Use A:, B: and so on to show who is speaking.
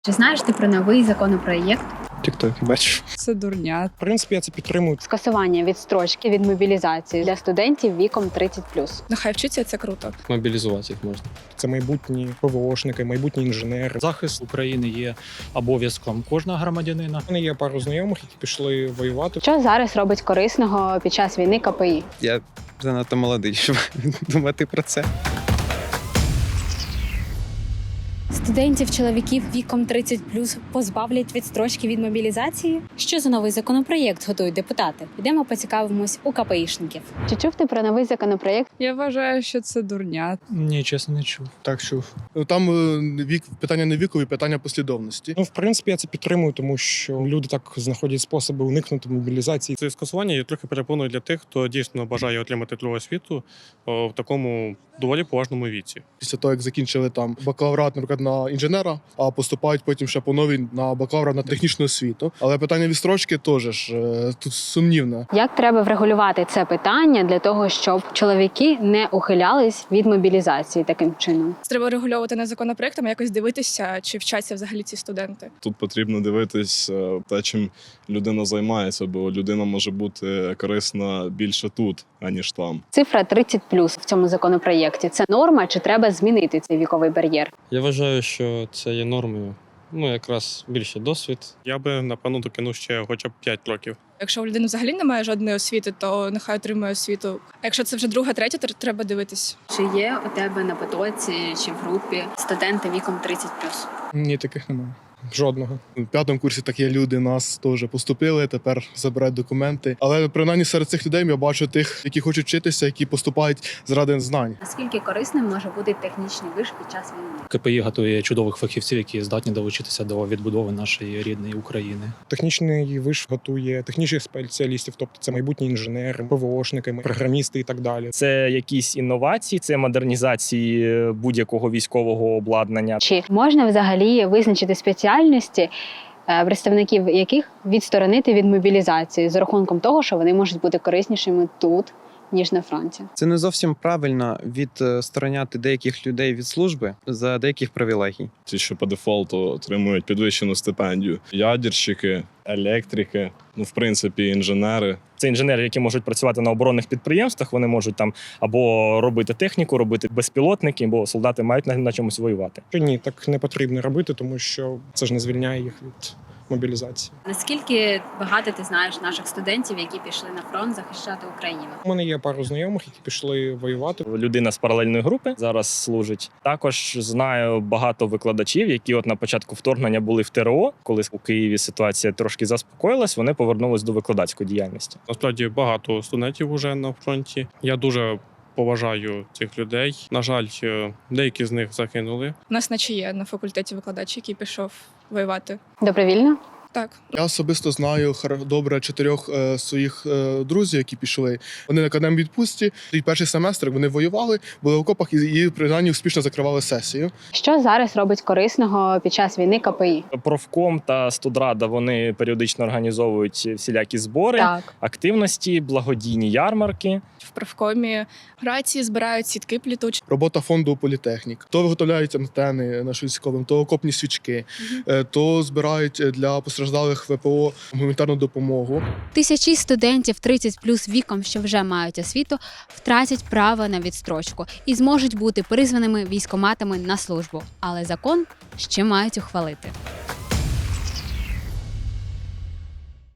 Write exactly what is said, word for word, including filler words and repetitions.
A: Чи знаєш ти про новий законопроєкт?
B: Тіктоки бачу.
C: Це дурня.
B: В принципі, я це підтримую.
A: Скасування відстрочки від мобілізації для студентів віком тридцять плюс.
C: Нехай вчиться, це круто.
D: Мобілізувати їх можна.
B: Це майбутні ПВОшники, майбутні інженери.
E: Захист України є обов'язком кожного громадянина.
B: У мене є пару знайомих, які пішли воювати.
A: Що зараз робить корисного під час війни ка пе і?
F: Я занадто молодий, щоб думати про це.
G: Студентів чоловіків віком тридцять плюс позбавлять відстрочки від мобілізації? Що за новий законопроєкт готують депутати? Йдемо поцікавимось у ка пе ішників.
A: Чи чув ти про новий законопроєкт?
C: Я вважаю, що це дурня.
E: Ні, чесно, не чув.
H: Так, чув. Ну, Там е, вік, питання не вікові, питання послідовності.
B: Ну, в принципі, я це підтримую, тому що люди так знаходять способи уникнути мобілізації.
I: Це скасування є трохи перепоною для тих, хто дійсно бажає отримати другу освіту о, в такому доволі поважному віці.
H: Після того, як закінчили там бакалаврат, наприклад, на інженера, а поступають потім ще по новій на бакалавра на технічну освіту. Але питання відстрочки теж ж е, тут сумнівне.
A: Як треба врегулювати це питання для того, щоб чоловіки не ухилялись від мобілізації таким чином?
C: Треба регульовувати не законопроектом, а якось дивитися, чи вчаться взагалі ці студенти.
J: Тут потрібно дивитись е, те, чим людина займається, бо людина може бути корисна більше тут, аніж там.
A: Цифра тридцять плюс в цьому законопроєкті. Це норма, чи треба змінити цей віковий бар'єр?
D: Я вважаю, що це є нормою. Ну, якраз більше досвід.
I: Я би, напевно, докинув ще хоча б п'ять років.
C: Якщо у людини взагалі немає жодної освіти, то нехай отримує освіту. А якщо це вже друга, третя, то треба дивитись.
A: Чи є у тебе на потоці чи в групі студенти віком тридцять плюс?
B: Ні, таких немає. Жодного.
H: У п'ятому курсі такі люди нас теж поступили, тепер забирають документи. Але принаймні серед цих людей я бачу тих, які хочуть вчитися, які поступають заради знань.
A: Наскільки корисним може бути технічний виш під час війни?
E: ка пе і готує чудових фахівців, які здатні долучитися до відбудови нашої рідної України.
B: Технічний виш готує технічних спеціалістів, тобто це майбутні інженери, ПВОшники, програмісти і так далі.
K: Це якісь інновації, це модернізації будь-якого військового обладнання.
A: Чи можна взагалі визначити спеціальності, представників яких відсторонити від мобілізації з рахунком того, що вони можуть бути кориснішими тут, ніж на фронті?
F: Це не зовсім правильно відстороняти деяких людей від служби за деяких привілегій.
J: Ті, що по дефолту отримують підвищену стипендію. Ядерщики, електрики, ну, в принципі, інженери.
K: Це інженери, які можуть працювати на оборонних підприємствах, вони можуть там або робити техніку, робити безпілотники, бо солдати мають на, на чомусь воювати.
B: Ні, так не потрібно робити, тому що це ж не звільняє їх від мобілізації.
A: Наскільки багато ти знаєш наших студентів, які пішли на фронт захищати Україну?
B: У мене є пару знайомих, які пішли воювати.
K: Людина з паралельної групи зараз служить. Також знаю багато викладачів, які от на початку вторгнення були в те ре о, коли у Києві ситуація трошки заспокоїлась, вони повернулись до викладацької діяльності.
I: Насправді багато студентів уже на фронті. Я дуже поважаю цих людей. На жаль, деякі з них загинули.
C: У нас наче є на факультеті викладач, який пішов воювати.
A: Добровільно?
C: Так.
H: Я особисто знаю хар- добре чотирьох е, своїх е, друзів, які пішли. Вони на академії відпустці. І перший семестр вони воювали, були в окопах і, і принаймні успішно закривали сесію.
A: Що зараз робить корисного під час війни ка пе і?
K: Профком та студрада, вони періодично організовують всілякі збори,
A: Так.
K: активності, благодійні ярмарки.
C: В профкомі рації збирають, сітки плітуть.
H: Робота фонду політехнік. То виготовляють антени нашим військовим, то окопні свічки, е, то збирають для постраждалих ве пе о гуманітарну допомогу.
G: Тисячі студентів тридцять плюс віком, що вже мають освіту, втратять право на відстрочку і зможуть бути призваними військкоматами на службу. Але закон ще мають ухвалити.